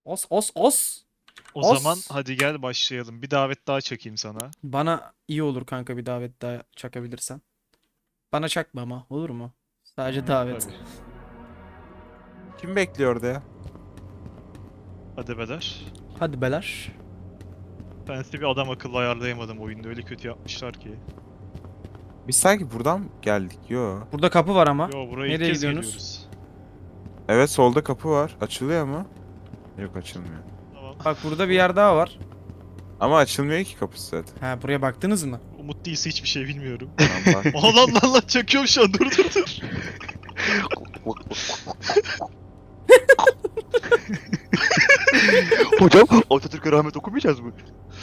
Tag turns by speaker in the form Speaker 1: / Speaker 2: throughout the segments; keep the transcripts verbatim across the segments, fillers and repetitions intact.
Speaker 1: Os os os.
Speaker 2: O
Speaker 1: Os.
Speaker 2: zaman hadi gel başlayalım. Bir davet daha çekeyim sana.
Speaker 1: Bana iyi olur kanka bir davet daha çakabilirsen. Bana çakma ama olur mu? Sadece davet.
Speaker 2: Tabii.
Speaker 3: Kim bekliyor orada ya?
Speaker 2: Hadi beyler.
Speaker 1: Hadi beler.
Speaker 2: Ben size bir adam akıllı ayarlayamadım oyunda. Öyle kötü yapmışlar ki.
Speaker 3: Biz sanki buradan mı geldik? Yo.
Speaker 1: Burada kapı var ama.
Speaker 2: Yo buraya ilk
Speaker 1: Nereye
Speaker 2: kez
Speaker 1: gidiyorsunuz?
Speaker 2: geliyoruz.
Speaker 3: Evet, solda kapı var. Açılıyor mu? Yok, açılmıyor.
Speaker 2: Tamam.
Speaker 1: Bak burada bir yer daha var.
Speaker 3: Ama açılmıyor ki kapısı zaten.
Speaker 1: Ha buraya baktınız mı?
Speaker 2: Umut değilse hiçbir şey bilmiyorum.
Speaker 3: Tamam, bak.
Speaker 2: Aa lan lan lan çakıyorum şu an dur dur dur.
Speaker 4: Hocam Atatürk'e rahmet okumayacağız mı?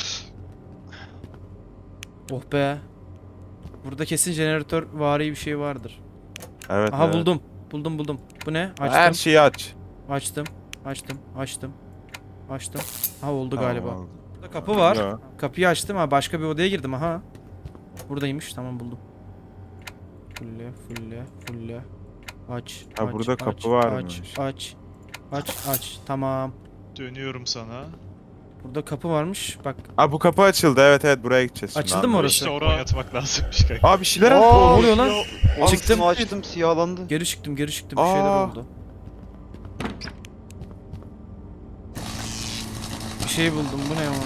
Speaker 1: Oh be. Burada kesin jeneratör vari bir şey vardır.
Speaker 3: Evet,
Speaker 1: Aha
Speaker 3: evet.
Speaker 1: buldum. Buldum buldum. Bu ne? Açtım.
Speaker 3: Her şeyi aç.
Speaker 1: Açtım. Açtım. Açtım. Açtım. Ha oldu
Speaker 3: Tamam,
Speaker 1: galiba.
Speaker 3: oldu.
Speaker 1: Burada kapı var.
Speaker 3: Yo.
Speaker 1: Kapıyı açtım ha başka bir odaya girdim aha. Buradaymış tamam buldum. Fulle fulle fulle. Aç.
Speaker 3: Ha,
Speaker 1: aç,
Speaker 3: burada
Speaker 1: aç,
Speaker 3: kapı varmış.
Speaker 1: Aç aç. Aç aç tamam.
Speaker 2: Dönüyorum sana.
Speaker 1: Burada kapı varmış bak.
Speaker 3: Aa, bu kapı açıldı. Evet evet, buraya gideceğiz şimdi.
Speaker 1: Açıldı mı
Speaker 3: anladım.
Speaker 1: orası?
Speaker 2: İşte oraya yatmak lazımmış kanka.
Speaker 3: Aa, bir şeyler
Speaker 4: Aa,
Speaker 3: attı.
Speaker 1: Ne oluyor lan?
Speaker 4: Açtım
Speaker 1: Çıktım.
Speaker 4: açtım siyahlandı.
Speaker 1: Geri çıktım geri çıktım bir şeyler
Speaker 3: Aa.
Speaker 1: oldu. Bir şey buldum bu ne ama.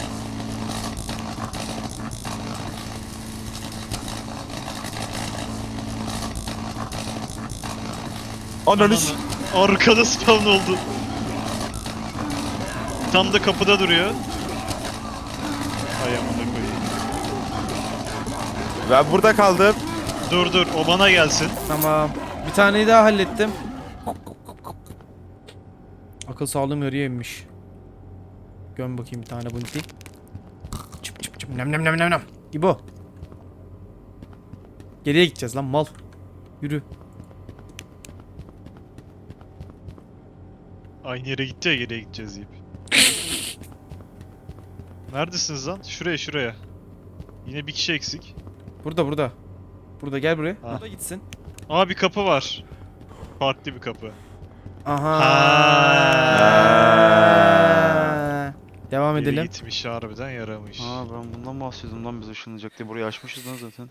Speaker 3: Ananı s-
Speaker 2: Arkada spawn oldu. Tam da kapıda duruyor. Ay amına koyayım.
Speaker 3: Ben burada kaldım.
Speaker 2: Dur dur o bana gelsin.
Speaker 1: Tamam. Bir taneyi daha hallettim. Akıl sağlığım yarıya inmiş. Göm bakayım bir tane bunti. Çıp çıp çıp nem nem nem nem nem. İbo. Geriye gideceğiz lan mal. Yürü.
Speaker 2: Aynı yere gitti ya geriye gideceğiz deyip. Neredesiniz lan? Şuraya şuraya. Yine bir kişi eksik.
Speaker 1: Burada burada. Burada gel buraya.
Speaker 2: Ha.
Speaker 1: Burada gitsin.
Speaker 2: Aa bir kapı var. Farklı bir kapı.
Speaker 1: Aha.
Speaker 2: Ha.
Speaker 1: Devam
Speaker 2: Geri
Speaker 1: edelim.
Speaker 2: gitmiş harbiden yaramış.
Speaker 4: Aa ben bundan bahsediyordum lan biz ışınlanacak diye burayı açmışız lan zaten.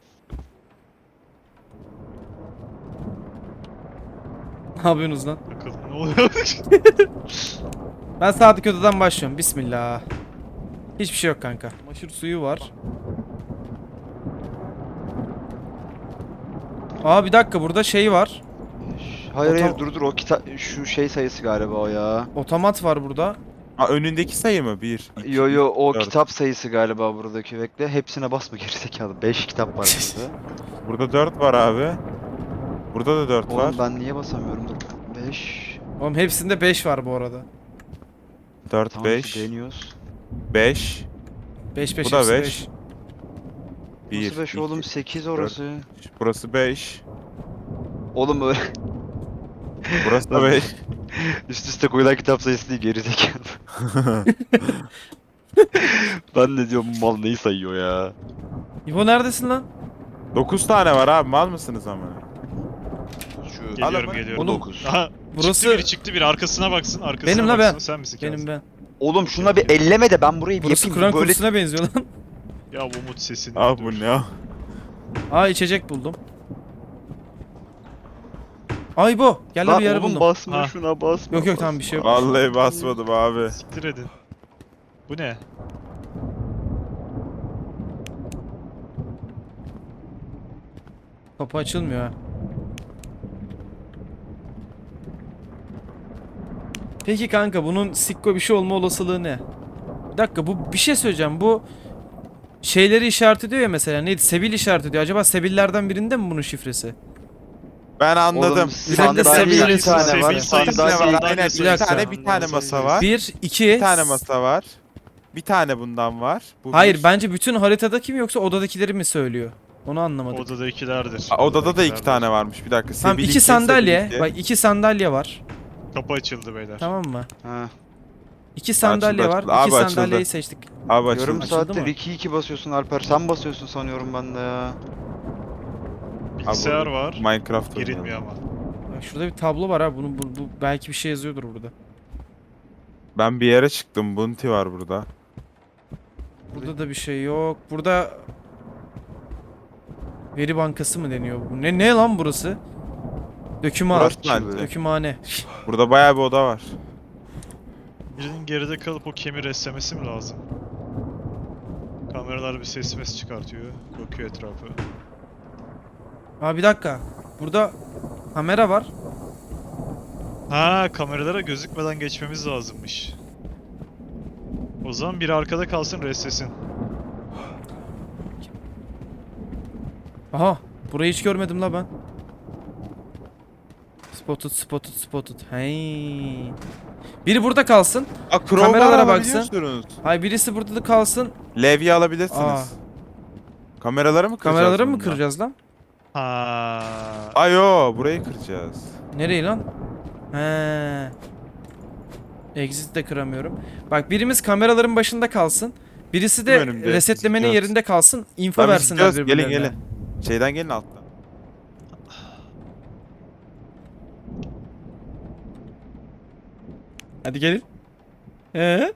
Speaker 1: Ne yapıyorsunuz lan?
Speaker 2: Bakalım ne oluyor?
Speaker 1: Ben sağdaki odadan başlıyorum. Bismillah. Hiçbir şey yok kanka. Maşır suyu var. Aa bir dakika burada şey var.
Speaker 4: Hayır hayır
Speaker 1: Otom-
Speaker 4: dur dur o kita şu şey sayısı galiba o ya.
Speaker 1: Otomat var burada.
Speaker 3: Aa, önündeki sayı mı? Bir, iki,
Speaker 4: Yo yo o
Speaker 3: dört.
Speaker 4: kitap sayısı galiba buradaki bekle. Hepsine basma gerizekalı. beş kitap var burada.
Speaker 3: Burada dört var abi. Burada da dört var.
Speaker 4: Oğlum ben niye basamıyorum dur. beş.
Speaker 1: Oğlum hepsinde beş var bu arada.
Speaker 3: dört,
Speaker 4: Tamam
Speaker 3: beş,
Speaker 4: işte deniyoruz.
Speaker 3: beş,
Speaker 1: beş beş
Speaker 3: Bu da
Speaker 1: hepsi
Speaker 3: beş.
Speaker 1: beş.
Speaker 3: bir,
Speaker 4: Nasıl beş
Speaker 3: iki,
Speaker 4: oğlum sekiz orası.
Speaker 3: burası beş,
Speaker 4: Oğlum öyle
Speaker 3: burası da beş.
Speaker 4: üst üste koyulan kitap sayısı değil gerizekalı. Ben de diyorum mal neyi sayıyor ya.
Speaker 1: İbo neredesin lan?
Speaker 3: dokuz tane var abi, mal mısınız ama?
Speaker 4: Şu
Speaker 2: Geliyorum
Speaker 3: Adamı-
Speaker 2: geliyorum.
Speaker 1: Oğlum,
Speaker 4: dokuz.
Speaker 2: Aha,
Speaker 1: Burası
Speaker 2: çıktı biri çıktı biri arkasına baksın arkasına
Speaker 1: Benim la
Speaker 2: baksın.
Speaker 1: ben.
Speaker 2: Sen misin
Speaker 1: benim
Speaker 2: Kazım?
Speaker 1: ben.
Speaker 4: Oğlum şuna bir elleme de ben burayı bir
Speaker 1: Burası
Speaker 4: yapayım.
Speaker 1: Kur'an
Speaker 4: Böyle
Speaker 1: kursuna benziyor lan.
Speaker 2: Ya Umut sesini
Speaker 3: Abi
Speaker 2: dur.
Speaker 3: bu ne ya?
Speaker 1: Aa içecek buldum. Ay bu. Gel lan
Speaker 4: Lan
Speaker 1: bir yer
Speaker 4: oğlum
Speaker 1: buldum.
Speaker 4: basma
Speaker 2: Ha.
Speaker 4: şuna basma.
Speaker 1: Yok yok tamam bir şey yok.
Speaker 3: Vallahi basmadım abi.
Speaker 2: Siktir edin. Bu ne?
Speaker 1: Kapı açılmıyor ha. Peki kanka bunun sikko bir şey olma olasılığı ne? Bir dakika bu bir şey söyleyeceğim. Bu şeyleri işaret ediyor ya mesela. Neydi? Sebil işaret ediyor. Acaba sebillerden birinde mi bunun şifresi?
Speaker 3: Ben anladım.
Speaker 4: Oğlum
Speaker 1: Özellikle
Speaker 4: sandalye
Speaker 1: seviye-
Speaker 4: bir tane
Speaker 2: seviye
Speaker 4: var.
Speaker 2: sayısı-
Speaker 3: Bir tane
Speaker 4: Sandalye
Speaker 3: var. Aynen,
Speaker 1: Bir
Speaker 3: bir
Speaker 1: dakika.
Speaker 3: tane bir tane masa var.
Speaker 1: Bir, iki.
Speaker 3: Bir tane masa var. Bir tane bundan var. Bu
Speaker 1: Hayır
Speaker 3: bir.
Speaker 1: bence bütün haritadaki mi yoksa odadakileri mi söylüyor? Onu anlamadım.
Speaker 2: Odadakilerdir.
Speaker 3: Aa, odada da iki
Speaker 2: Odadakilerdir.
Speaker 3: tane varmış. Bir dakika.
Speaker 1: Tamam
Speaker 3: Sebil
Speaker 1: iki sandalye.
Speaker 3: Sebil
Speaker 1: Bak iki sandalye var.
Speaker 2: Kapı açıldı beyler.
Speaker 1: Tamam mı?
Speaker 4: Ha.
Speaker 1: İki sandalye var.
Speaker 3: açıldı. Abi
Speaker 1: İki
Speaker 3: açıldı.
Speaker 1: sandalyeyi seçtik.
Speaker 3: Abi açıldı.
Speaker 4: Yarım
Speaker 1: Açıldı
Speaker 4: saattir
Speaker 1: mı?
Speaker 4: iki iki basıyorsun Alper. Sen basıyorsun sanıyorum ben de ya.
Speaker 2: Bilgisayar
Speaker 3: Abi,
Speaker 2: var.
Speaker 3: Minecraft
Speaker 2: Girilmiyor
Speaker 3: oynuyorum.
Speaker 2: ama.
Speaker 1: Bak şurada bir tablo var ha. Bunu bu, bu belki bir şey yazıyordur burada.
Speaker 3: Ben bir yere çıktım. Bunti var burada.
Speaker 1: Burada da bir şey yok. Burada veri bankası mı deniyor bu? Ne ne lan burası? Döküman.
Speaker 3: Burası
Speaker 4: Artçı
Speaker 3: bence.
Speaker 1: Dökümhane.
Speaker 3: Burada bayağı bir oda var.
Speaker 2: Birinin geride kalıp o kemiri eslemesi mi lazım? Kameralar bir ses mes çıkartıyor. Bakıyor etrafı.
Speaker 1: Aa bir dakika. Burada kamera var.
Speaker 2: Ha, kameralara gözükmeden geçmemiz lazımmış. O zaman biri arkada kalsın, restlesin.
Speaker 1: Aha. Burayı hiç görmedim la ben. Spotted, spotted, spotted. Hey. Biri burada kalsın.
Speaker 3: Aa, crowbar
Speaker 1: Kameralara
Speaker 3: alabiliyorsunuz.
Speaker 1: Hay birisi burada da kalsın.
Speaker 3: Levye alabilirsiniz.
Speaker 1: Aa.
Speaker 3: Kameraları mı kıracağız?
Speaker 1: Kameraları mı
Speaker 3: bununla?
Speaker 1: kıracağız lan?
Speaker 2: Ha.
Speaker 3: Ayo, burayı kıracağız.
Speaker 1: Nereyi lan? He. Exit de kıramıyorum. Bak birimiz kameraların başında kalsın. Birisi de
Speaker 3: Önümde,
Speaker 1: resetlemenin
Speaker 3: gidiyoruz.
Speaker 1: yerinde kalsın. Info
Speaker 3: Lan biz
Speaker 1: versinler
Speaker 3: gidiyoruz, gelin
Speaker 1: birbirlerine.
Speaker 3: gelin. Şeyden gelin alttan.
Speaker 1: Hadi gelin. Ee?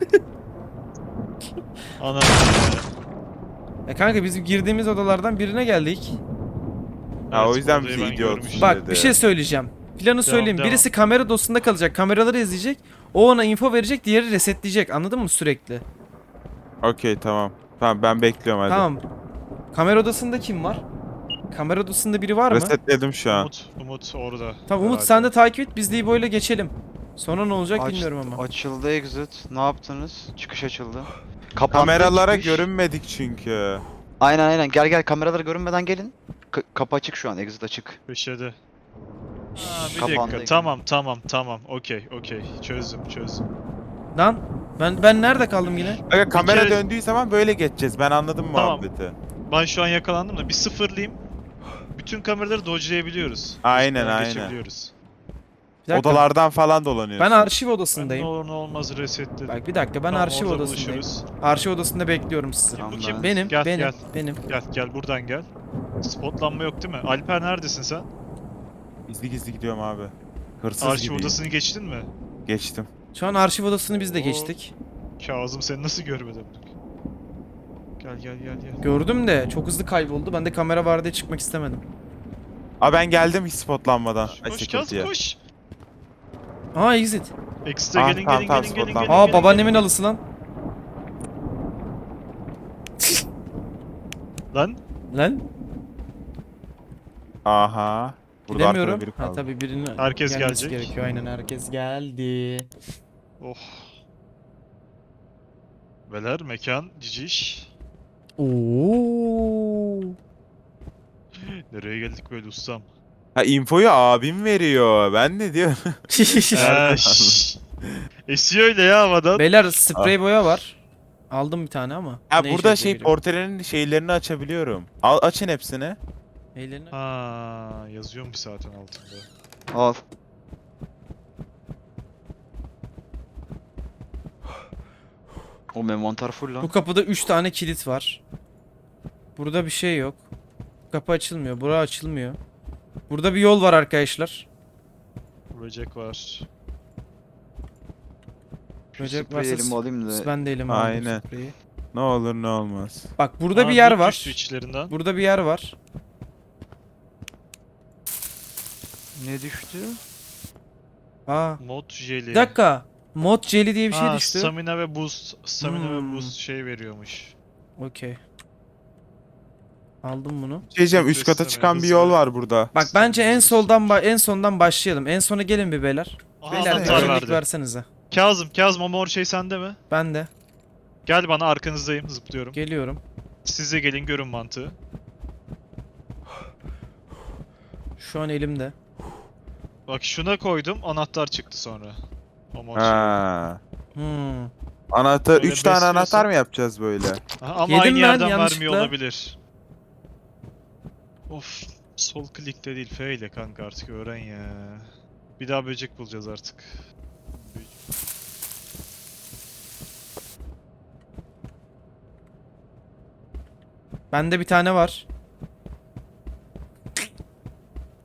Speaker 2: Ana.
Speaker 1: E kanka biz girdiğimiz odalardan birine geldik.
Speaker 3: Ha, o
Speaker 2: Evet,
Speaker 3: yüzden
Speaker 2: odayı
Speaker 3: bizi
Speaker 2: ben
Speaker 3: idiot
Speaker 2: görmüştüm.
Speaker 1: Bak
Speaker 3: dedi.
Speaker 1: bir şey söyleyeceğim. Planı söyleyeyim.
Speaker 2: devam.
Speaker 1: Birisi kamera odasında kalacak. Kameraları izleyecek. O ona info verecek. Diğeri resetleyecek. Anladın mı sürekli?
Speaker 3: Okey, tamam. Tamam, ben bekliyorum hadi.
Speaker 1: Tamam. Kamera odasında kim var? Kamera odasında biri var mı?
Speaker 3: Resetledim şu an.
Speaker 2: Umut, Umut orada.
Speaker 1: Tamam Umut
Speaker 2: herhalde.
Speaker 1: sen de takip et. Biz de İbo ile geçelim. Sonra ne olacak
Speaker 4: Aç-
Speaker 1: bilmiyorum ama.
Speaker 4: Açıldı exit. Ne yaptınız? Çıkış açıldı. Kapandı
Speaker 3: Kameralara
Speaker 4: çıkış.
Speaker 3: görünmedik çünkü.
Speaker 4: Aynen aynen. Gel gel kameralara görünmeden gelin. K- kapı açık şu an. Exit açık.
Speaker 2: Köşede. Ha, bir
Speaker 4: Kapandı
Speaker 2: dakika.
Speaker 4: ekran.
Speaker 2: Tamam, tamam, tamam. Okey, okey. Çözdüm, çözdüm.
Speaker 1: Lan ben ben nerede kaldım yine?
Speaker 3: Aga, kamera
Speaker 2: kere-
Speaker 3: döndüğü zaman böyle geçeceğiz. Ben anladım
Speaker 2: Tamam.
Speaker 3: muhabbeti.
Speaker 2: Ben şu an yakalandım da bir sıfırlayayım. Bütün kameraları dodge'layabiliyoruz.
Speaker 3: Aynen,
Speaker 2: Üstünden
Speaker 3: aynen.
Speaker 2: geçebiliyoruz.
Speaker 1: Bir dakika.
Speaker 3: Odalardan falan dolanıyorsun.
Speaker 1: Ben arşiv
Speaker 2: Ben ne
Speaker 1: odasındayım.
Speaker 2: olur ne olmaz resetledim.
Speaker 1: Bak bir dakika ben
Speaker 2: Tamam,
Speaker 1: arşiv
Speaker 2: orada
Speaker 1: odasındayım.
Speaker 2: buluşuruz.
Speaker 1: Arşiv odasında bekliyorum sizi.
Speaker 4: Tamam,
Speaker 2: Bu kim?
Speaker 4: ben-
Speaker 1: Benim,
Speaker 2: Gel,
Speaker 1: benim,
Speaker 2: gel.
Speaker 1: benim.
Speaker 2: Gel, gel buradan gel. Spotlanma yok değil mi? Alper neredesin sen?
Speaker 3: Gizli gizli gidiyorum abi. Hırsız
Speaker 2: Arşiv
Speaker 3: gibiyim.
Speaker 2: odasını geçtin mi?
Speaker 3: Geçtim.
Speaker 1: Şu an arşiv odasını biz de
Speaker 2: Oo.
Speaker 1: geçtik.
Speaker 2: Kazım seni nasıl görmedim? Gel gel gel gel.
Speaker 1: Gördüm de çok hızlı kayboldu. Ben de kamera var diye çıkmak istemedim.
Speaker 3: Aa, ben geldim hiç spotlanmadan. Ay,
Speaker 2: Koş
Speaker 3: security'ye.
Speaker 2: Kazım koş.
Speaker 1: Aa exit.
Speaker 2: Exit'e
Speaker 3: Ah,
Speaker 2: gelin
Speaker 3: tamam,
Speaker 2: gelin
Speaker 3: tamam,
Speaker 2: gelin gelin
Speaker 3: spotlanma.
Speaker 2: gelin.
Speaker 1: Aa
Speaker 2: gelin,
Speaker 1: babaannemin
Speaker 2: gelin.
Speaker 1: alısı lan.
Speaker 2: Lan
Speaker 1: Lan
Speaker 3: Aha. Burada arkada
Speaker 1: gidemiyorum.
Speaker 3: biri
Speaker 1: Ha
Speaker 3: kaldı.
Speaker 1: tabii birinin
Speaker 2: Herkes
Speaker 1: gelmesi
Speaker 2: gelecek.
Speaker 1: gerekiyor. Aynen herkes geldi.
Speaker 2: oh. Beler mekan ciciş.
Speaker 1: Oo.
Speaker 2: Nereye geldik böyle ustam?
Speaker 3: Ha, infoyu abim veriyor. Ben ne diyorum?
Speaker 2: Eee şşş. Esiyor öyle ya havadan.
Speaker 1: Beyler sprey boya var. Aldım bir tane ama.
Speaker 3: Ha,
Speaker 1: Ne işe
Speaker 3: burada
Speaker 1: yarayacak
Speaker 3: şey
Speaker 1: bilmiyorum.
Speaker 3: portrenin şeylerini açabiliyorum. Al, açın hepsini.
Speaker 1: Ellerini-
Speaker 2: Ha, yazıyormuş zaten altında.
Speaker 4: Al. O envanter full lan.
Speaker 1: Bu kapıda üç tane kilit var. Burada bir şey yok. Kapı açılmıyor. Bura açılmıyor. Burada bir yol var arkadaşlar.
Speaker 2: Böcek var.
Speaker 1: Böcek
Speaker 4: Spreyi
Speaker 1: varsa
Speaker 4: elime alayım da.
Speaker 1: ben de elime aldım
Speaker 3: Aynen.
Speaker 1: spreyi.
Speaker 3: Ne olur ne olmaz.
Speaker 1: Bak burada
Speaker 2: Aa,
Speaker 1: bir yer
Speaker 2: Bluetooth
Speaker 1: var.
Speaker 2: switchlerinden.
Speaker 1: Burada bir yer var.
Speaker 4: Ne düştü?
Speaker 1: Aa.
Speaker 2: Mod jeli.
Speaker 1: Bir dakika. Mod jelly diye bir şey
Speaker 2: Ha,
Speaker 1: düştü.
Speaker 2: Stamina ve boost. Stamina
Speaker 1: Hmm.
Speaker 2: ve boost şey veriyormuş.
Speaker 1: Okey. Aldım bunu.
Speaker 3: Şey diyeceğim, üst kata
Speaker 2: Besleme,
Speaker 3: çıkan bir
Speaker 2: hızlı.
Speaker 3: yol var burada.
Speaker 1: Bak bence en soldan ba- en sondan başlayalım. En sona gelin bir beyler.
Speaker 2: Aha,
Speaker 1: Beyler
Speaker 2: anahtar
Speaker 1: öncelik
Speaker 2: verdi.
Speaker 1: versenize.
Speaker 2: Kazım, Kazım o mor şey sende mi?
Speaker 1: Ben de
Speaker 2: Gel bana arkanızdayım zıplıyorum.
Speaker 1: geliyorum.
Speaker 2: Siz de gelin görün mantığı.
Speaker 1: Şu an elimde.
Speaker 2: Bak şuna koydum anahtar çıktı sonra. O mor şey.
Speaker 3: Ha.
Speaker 1: Hmm.
Speaker 3: Anahtar,
Speaker 2: Böyle
Speaker 3: üç tane
Speaker 2: besliyorsan-
Speaker 3: anahtar mı yapacağız böyle?
Speaker 2: Aha, ama
Speaker 1: Yedim
Speaker 2: aynı
Speaker 1: ben
Speaker 2: yerden
Speaker 1: yanlışlıkla.
Speaker 2: vermiyor olabilir. Of, sol klikte değil F ile kanka artık öğren ya. Bir daha böcek bulacağız artık.
Speaker 1: Bende bir tane var.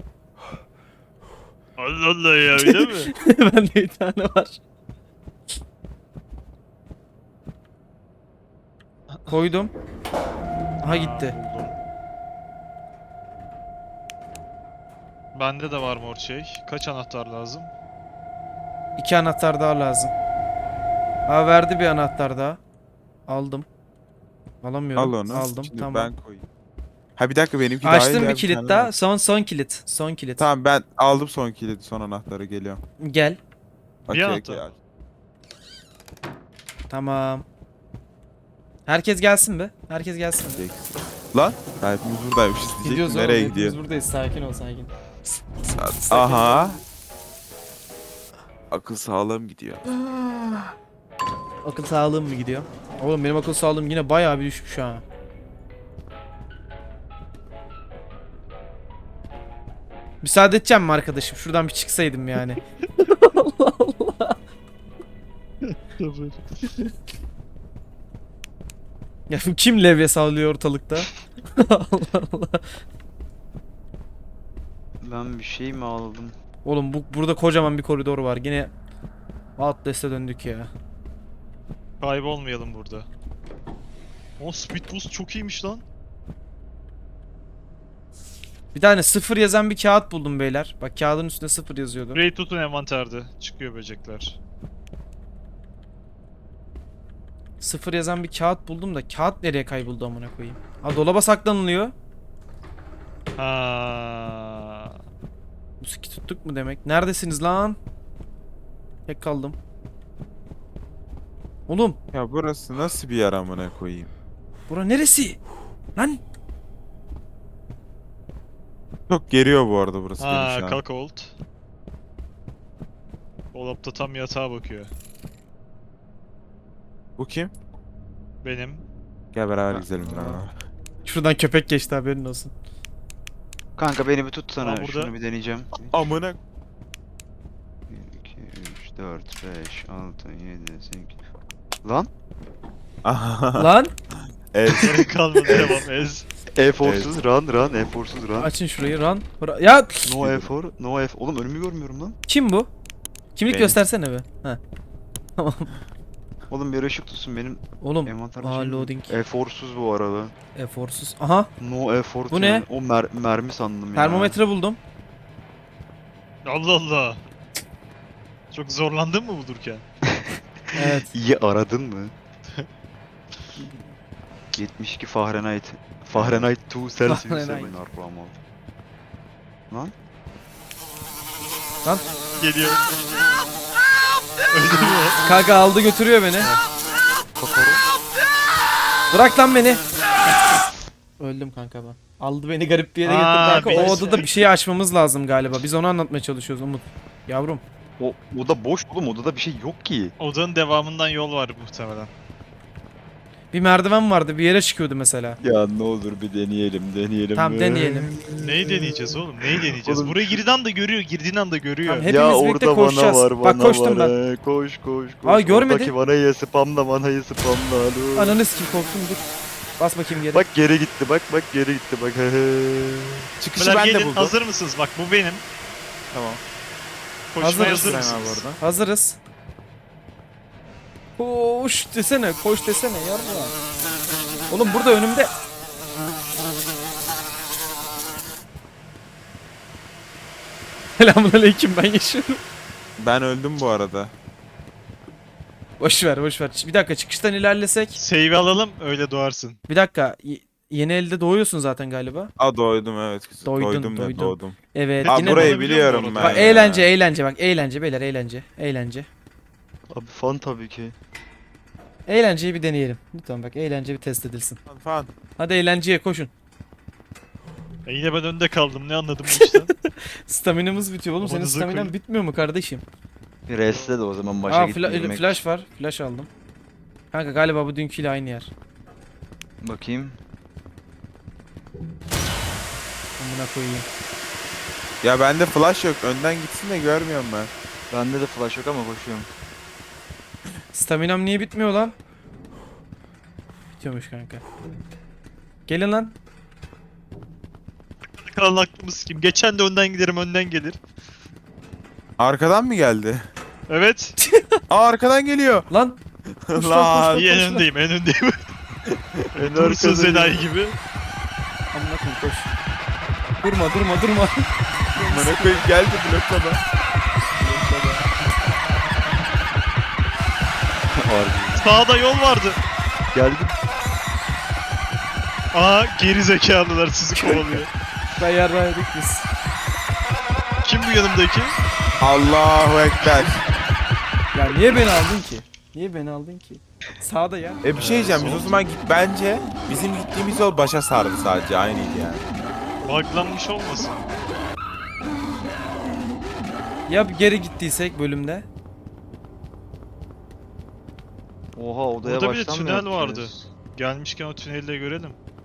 Speaker 2: Allah Allah ya öyle mi?
Speaker 1: Bende bir tane var. Koydum. Aha gitti.
Speaker 2: Ha, buldum. Bende de var mor şey. Kaç anahtar lazım?
Speaker 1: İki anahtar daha lazım. Aa verdi bir anahtar daha. Aldım. Alamıyorum.
Speaker 3: Al onu.
Speaker 1: Aldım.
Speaker 3: Şimdi
Speaker 1: Tamam.
Speaker 3: ben koyayım. Ha bir dakika benimki daha iyi
Speaker 1: Açtım
Speaker 3: ya,
Speaker 1: bir kilit
Speaker 3: tane
Speaker 1: daha.
Speaker 3: var.
Speaker 1: Son son kilit. Son kilit.
Speaker 3: Tamam ben aldım son kilidi, son anahtarı, geliyorum.
Speaker 1: Gel.
Speaker 3: Okey
Speaker 2: anahtar.
Speaker 3: okey.
Speaker 1: Tamam. Herkes gelsin be. Herkes gelsin be.
Speaker 3: Lan hepimiz buradaymışız
Speaker 1: Gidiyoruz
Speaker 3: diyecektim.
Speaker 1: oğlum.
Speaker 3: Nereye
Speaker 1: Hepimiz
Speaker 3: gidiyor?
Speaker 1: buradayız. Sakin ol sakin.
Speaker 3: Aha. Akıl sağlığım gidiyor.
Speaker 1: Akıl sağlığım mı gidiyor? Oğlum benim akıl sağlığım yine bayağı bir düşmüş ha. Müsaade edeceğim mi arkadaşım? Şuradan bir çıksaydım yani. Ya bu kim levye sallıyor ortalıkta? Allah Allah.
Speaker 4: Ben bir şey mi aldım?
Speaker 1: Oğlum bu burada kocaman bir koridor var. Yine Outlast'e döndük ya.
Speaker 2: Kaybolmayalım burada. O speed boost çok iyiymiş lan.
Speaker 1: Bir tane sıfır yazan bir kağıt buldum beyler. Bak kağıdın üstünde sıfır yazıyordu.
Speaker 2: Ray tutun envanterde. Çıkıyor böcekler.
Speaker 1: Sıfır yazan bir kağıt buldum da kağıt nereye kayboldu amına koyayım? Ha dolaba saklanılıyor.
Speaker 2: Ha.
Speaker 1: Bu siki tuttuk mu demek? Neredesiniz lan? Tek kaldım. Oğlum
Speaker 3: Ya burası nasıl bir yer amına koyayım?
Speaker 1: bura neresi? Lan
Speaker 3: Çok geriyor bu arada burası beni
Speaker 2: Ha,
Speaker 3: şu an.
Speaker 2: Cuckold. Dolapta tam yatağa bakıyor.
Speaker 3: Bu kim?
Speaker 2: Benim.
Speaker 3: Gel beraber
Speaker 4: Ha.
Speaker 3: gezelim lan.
Speaker 1: şuradan köpek geçti haberin olsun.
Speaker 4: Kanka beni bir tutsana.
Speaker 2: Aa, burada.
Speaker 4: Şunu bir deneyeceğim.
Speaker 3: Amına.
Speaker 4: bir, iki, üç, dört, beş, altı, yedi, sekiz. Lan?
Speaker 1: Lan
Speaker 3: Ez.
Speaker 2: Gerek kalmadı devam ez.
Speaker 4: Eforsuz run run, eforsuz run.
Speaker 1: açın şurayı run. Bura- ya
Speaker 4: No efor, no efor. Oğlum önümü görmüyorum lan.
Speaker 1: kim bu? Kimlik
Speaker 3: Benim.
Speaker 1: göstersene be. Ha. Tamam.
Speaker 4: Oğlum bir ışık tutsun benim
Speaker 1: Oğlum
Speaker 4: envanterimde.
Speaker 1: aa
Speaker 4: şey mi?
Speaker 1: loading.
Speaker 4: Eforsuz bu arada.
Speaker 1: Eforsuz. Aha
Speaker 4: No effort.
Speaker 1: Bu ne?
Speaker 4: yani. O mer mermi sandım ya.
Speaker 1: termometre buldum.
Speaker 2: Allah Allah. Çok zorlandın mı bulurken?
Speaker 1: Evet.
Speaker 4: İyi aradın mı? yetmiş iki Fahrenheit. Fahrenheit iki Celsius
Speaker 1: Fahrenheit.
Speaker 4: hemen arpama. Lan?
Speaker 1: Lan
Speaker 2: Geliyor. Öldü mü?
Speaker 1: kanka aldı götürüyor beni.
Speaker 4: Kokoro.
Speaker 1: Bırak lan beni. Öldüm kanka ben. Aldı beni garip bir yere getirdi
Speaker 2: Aa,
Speaker 1: kanka. O
Speaker 2: birisi-
Speaker 1: odada bir şey açmamız lazım galiba. Biz onu anlatmaya çalışıyoruz Umut. Yavrum.
Speaker 4: O oda boş oğlum, odada bir şey yok ki.
Speaker 2: Odanın devamından yol var muhtemelen.
Speaker 1: Bir merdiven vardı bir yere çıkıyordu mesela.
Speaker 4: Ya ne olur bir deneyelim, deneyelim.
Speaker 1: Tamam deneyelim.
Speaker 2: Neyi deneyeceğiz oğlum? Neyi deneyeceğiz?
Speaker 4: Oğlum
Speaker 2: Buraya
Speaker 4: şu-
Speaker 2: girdiğin anda görüyor, girdiğin anda görüyor.
Speaker 1: Tamam, hepimiz birlikte koşacağız. Bak koştum ben.
Speaker 4: Koş koş koş.
Speaker 1: Aa, görmedi.
Speaker 4: Oradaki vanayı spamla, vanayı spamla. Alo.
Speaker 1: Ananı sikim korktum dur. Bas bakayım geri.
Speaker 4: Bak geri gitti, bak bak geri gitti bak.
Speaker 3: Çıkışı
Speaker 2: Beyler
Speaker 3: ben de
Speaker 2: gelin,
Speaker 3: buldum.
Speaker 2: hazır mısınız? Bak bu benim.
Speaker 3: Tamam.
Speaker 2: Koşmaya
Speaker 1: Hazırız.
Speaker 2: hazır
Speaker 3: Sen abi
Speaker 2: mısınız?
Speaker 3: orada.
Speaker 1: Hazırız. Koş desene, koş desene yarra. Oğlum burada önümde. Selamünaleyküm ben yaşıyorum.
Speaker 3: Ben öldüm bu arada.
Speaker 1: Boş ver, boş ver. Bir dakika çıkıştan ilerlesek.
Speaker 2: Save alalım, öyle doğarsın.
Speaker 1: Bir dakika. y- Yeni elde doğuyorsun zaten galiba.
Speaker 3: Aa doydum evet.
Speaker 1: Doydun,
Speaker 3: doydum ne
Speaker 1: doydun.
Speaker 3: doğdum.
Speaker 1: Evet.
Speaker 2: Aa,
Speaker 3: Aa
Speaker 1: yine
Speaker 3: burayı
Speaker 2: doğru
Speaker 3: biliyorum
Speaker 2: biliyorum
Speaker 3: ben
Speaker 1: Bak
Speaker 3: ya.
Speaker 1: eğlence, eğlence bak eğlence beyler eğlence, eğlence.
Speaker 4: Abi fan tabii ki.
Speaker 1: Eğlenceyi bir deneyelim. Lütfen bak eğlence bir test edilsin.
Speaker 3: Fan, Fan.
Speaker 1: Hadi eğlenceye koşun.
Speaker 2: E yine ben önde kaldım, ne anladım bu işten?
Speaker 1: Staminamız bitiyor oğlum. Senin
Speaker 2: Babanıza
Speaker 1: staminan
Speaker 2: koyun.
Speaker 1: bitmiyor mu kardeşim?
Speaker 4: Bir restle de o zaman başa
Speaker 1: Aa
Speaker 4: git
Speaker 1: fla-
Speaker 4: yürümek.
Speaker 1: flash var. Flash aldım. Kanka galiba bu dünküyle aynı yer.
Speaker 4: Bakayım.
Speaker 1: Amına koyayım.
Speaker 3: Ya bende flash yok. Önden gitsin de görmüyorum ben.
Speaker 4: Bende de flash yok ama koşuyorum.
Speaker 1: Staminam niye bitmiyor lan? Bitiyormuş kanka. Gelin lan.
Speaker 2: Kalan aklımız kim? Geçen de önden giderim, önden gelir.
Speaker 3: Arkadan mı geldi?
Speaker 2: Evet.
Speaker 3: Aa arkadan geliyor.
Speaker 1: Lan. Koş lan, koş,
Speaker 3: Lan.
Speaker 1: koş,
Speaker 2: İyi en
Speaker 1: koş lan.
Speaker 2: öndeyim, en öndeyim.
Speaker 4: En
Speaker 2: Dursun
Speaker 4: arkada
Speaker 2: Zeday
Speaker 4: ya.
Speaker 2: gibi.
Speaker 1: Amına koyayım koş. Durma durma durma.
Speaker 3: Bana koyayım geldi bloklama.
Speaker 4: Harbi.
Speaker 2: Sağda yol vardı.
Speaker 4: Geldim.
Speaker 2: Aa geri zekalılar sizi kovalıyor.
Speaker 1: Ben yarraydık biz.
Speaker 2: Kim bu yanımdaki?
Speaker 3: Allahu Ekber.
Speaker 1: Ya niye beni aldın ki? Niye beni aldın ki? Sağda ya.
Speaker 3: E bir şey diyeceğim biz o zaman git bence bizim gittiğimiz yol başa sardı sadece aynıydı yani.
Speaker 2: Buglanmış olmasın?
Speaker 1: Ya geri gittiysek bölümde?
Speaker 4: Oha odaya
Speaker 2: Burada bir de
Speaker 4: baştan mı
Speaker 2: tünel
Speaker 4: yaptınız?
Speaker 2: vardı. Gelmişken o tüneli de görelim.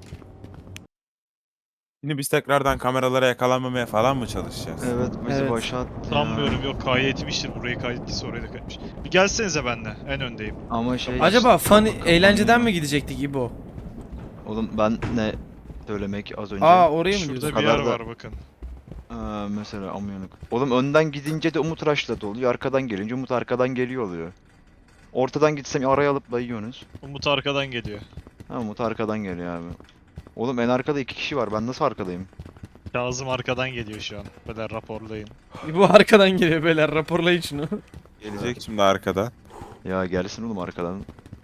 Speaker 3: Şimdi biz tekrardan kameralara yakalanmamaya falan mı çalışacağız?
Speaker 4: Evet bizi
Speaker 1: Evet.
Speaker 4: başa attı ya.
Speaker 2: Sanmıyorum, yok kaydetmiştir. Burayı kaydettiyse orayı da kaydetmiş. Bir gelsenize benle. En öndeyim.
Speaker 4: Ama şey
Speaker 1: Acaba
Speaker 4: işte,
Speaker 1: fun
Speaker 4: bakalım
Speaker 1: eğlenceden
Speaker 4: ya.
Speaker 1: mi gidecektik İbo?
Speaker 4: Oğlum ben ne söylemek az önce.
Speaker 1: Aa oraya mı
Speaker 2: Şurada
Speaker 1: diyorsun?
Speaker 2: bir yer
Speaker 4: kadar da-
Speaker 2: var bakın.
Speaker 4: Aa, mesela amyanık. Oğlum önden gidince de Umut Raş'la doluyor. Arkadan gelince Umut arkadan geliyor oluyor. Ortadan gitsem araya alıp dayıyorsunuz.
Speaker 2: Umut arkadan geliyor.
Speaker 4: Ha Umut arkadan geliyor abi. Oğlum en arkada iki kişi var. Ben nasıl arkadayım?
Speaker 2: Kazım arkadan geliyor şu an. Böyle raporlayın.
Speaker 1: İbo arkadan geliyor beyler, raporlayın şunu.
Speaker 3: Gelecek şimdi arkadan.
Speaker 4: Ya gelsin oğlum arkadan.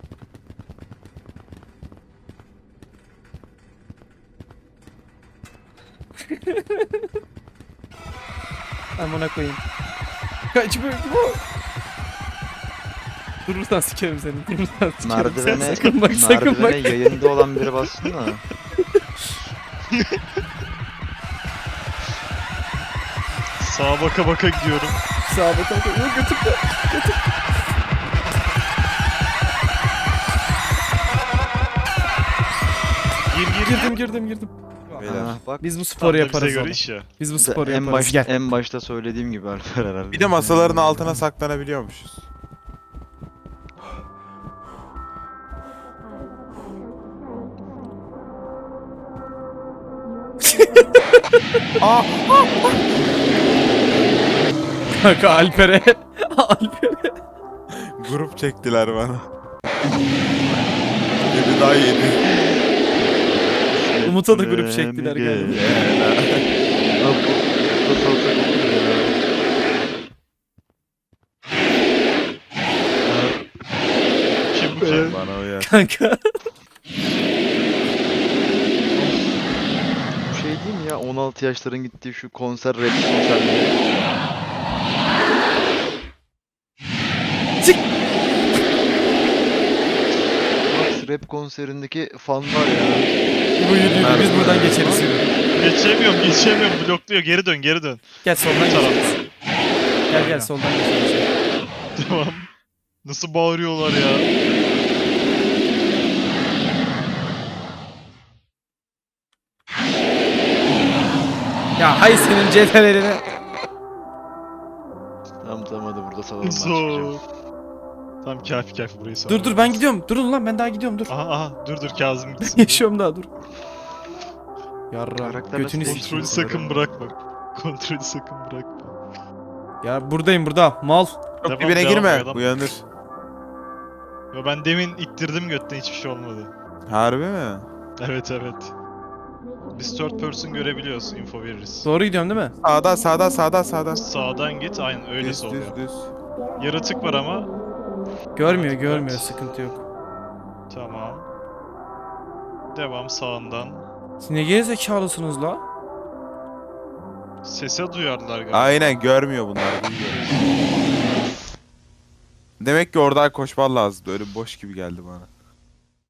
Speaker 1: Amına koyayım. Kaç bu İbo? Durursan sikerim seni. Durursan sikerim.
Speaker 4: Merdivene,
Speaker 1: Sen sakın bak sakın bak.
Speaker 4: merdivene yayında olan biri bassın da.
Speaker 2: Sağa baka baka gidiyorum.
Speaker 1: Sağa bakalım. Yok götür de. Götür.
Speaker 2: Gir gir gir.
Speaker 1: Girdim girdim girdim.
Speaker 3: Beyler.
Speaker 4: Ah, bak.
Speaker 1: Biz bu
Speaker 2: Tam
Speaker 1: sporu
Speaker 2: da
Speaker 1: yaparız
Speaker 2: bize göre
Speaker 1: oğlum.
Speaker 2: iş ya.
Speaker 1: Biz bu
Speaker 4: İşte
Speaker 1: sporu
Speaker 4: en,
Speaker 1: yaparız.
Speaker 4: baş,
Speaker 1: Gel.
Speaker 4: en başta söylediğim gibi Alper herhalde.
Speaker 3: Bir de masaların altına saklanabiliyormuşuz. Aa,
Speaker 1: Kanka Alper'e. Alper'e.
Speaker 3: grup çektiler bana. Biri daha yedi.
Speaker 1: Umut'a da grup çektiler galiba.
Speaker 4: Lan bu- bu salsak olur ya.
Speaker 2: Kim bu kim?
Speaker 3: Bana uyar.
Speaker 1: Kanka.
Speaker 4: Bu şey değil mi ya on altı yaşların gittiği şu konser rap konserleri.
Speaker 1: Çık.
Speaker 4: Max rap konserindeki fan var ya.
Speaker 1: İbo yürü yürü. Biz buradan geçeriz yürü.
Speaker 2: Geçemiyorum geçemiyorum. Blokluyor. Geri dön geri dön.
Speaker 1: Gel soldan
Speaker 2: Bu taraf.
Speaker 1: geçeriz. Gel gel
Speaker 2: Aynen.
Speaker 1: soldan geçeriz.
Speaker 2: Tamam. Nasıl bağırıyorlar ya.
Speaker 1: Ya hay senin cetvelerine.
Speaker 4: Tamam tamam hadi burada salalım ben
Speaker 2: Zor.
Speaker 4: çıkacağım.
Speaker 2: Tamam kafi kafi burayı sağ.
Speaker 1: Dur dur ben gidiyorum. Durun lan ben daha gidiyorum dur.
Speaker 2: Aha aha dur dur Kazım gitsin.
Speaker 1: Yaşıyorum daha dur. Yarra
Speaker 4: Karakter
Speaker 1: götünü
Speaker 4: nasıl
Speaker 1: sikeyim.
Speaker 2: Kontrolü sakın bırakma. Kontrolü sakın bırakma.
Speaker 1: Ya buradayım burada mal.
Speaker 3: Çok
Speaker 2: Devam,
Speaker 3: dibine
Speaker 2: devam,
Speaker 3: girme.
Speaker 2: devam.
Speaker 3: Uyanır.
Speaker 2: Ya ben demin ittirdim götten hiçbir şey olmadı.
Speaker 3: Harbi mi?
Speaker 2: Evet evet. Biz third person görebiliyoruz, info veririz.
Speaker 1: Doğru gidiyorum değil mi?
Speaker 3: Sağda sağda sağda sağda.
Speaker 2: Sağdan git, aynen öyle
Speaker 3: Düz
Speaker 2: oluyor.
Speaker 3: düz düz.
Speaker 2: Yaratık var ama.
Speaker 1: Görmüyor
Speaker 2: Evet,
Speaker 1: görmüyor
Speaker 2: evet.
Speaker 1: sıkıntı yok.
Speaker 2: Tamam. Devam sağından.
Speaker 1: Siz ne gerizekalısınız la?
Speaker 2: Sese duyarlar galiba.
Speaker 3: Aynen görmüyor bunlar. Duyuyor. Demek ki oradan koşman lazım. Öyle boş gibi geldi bana.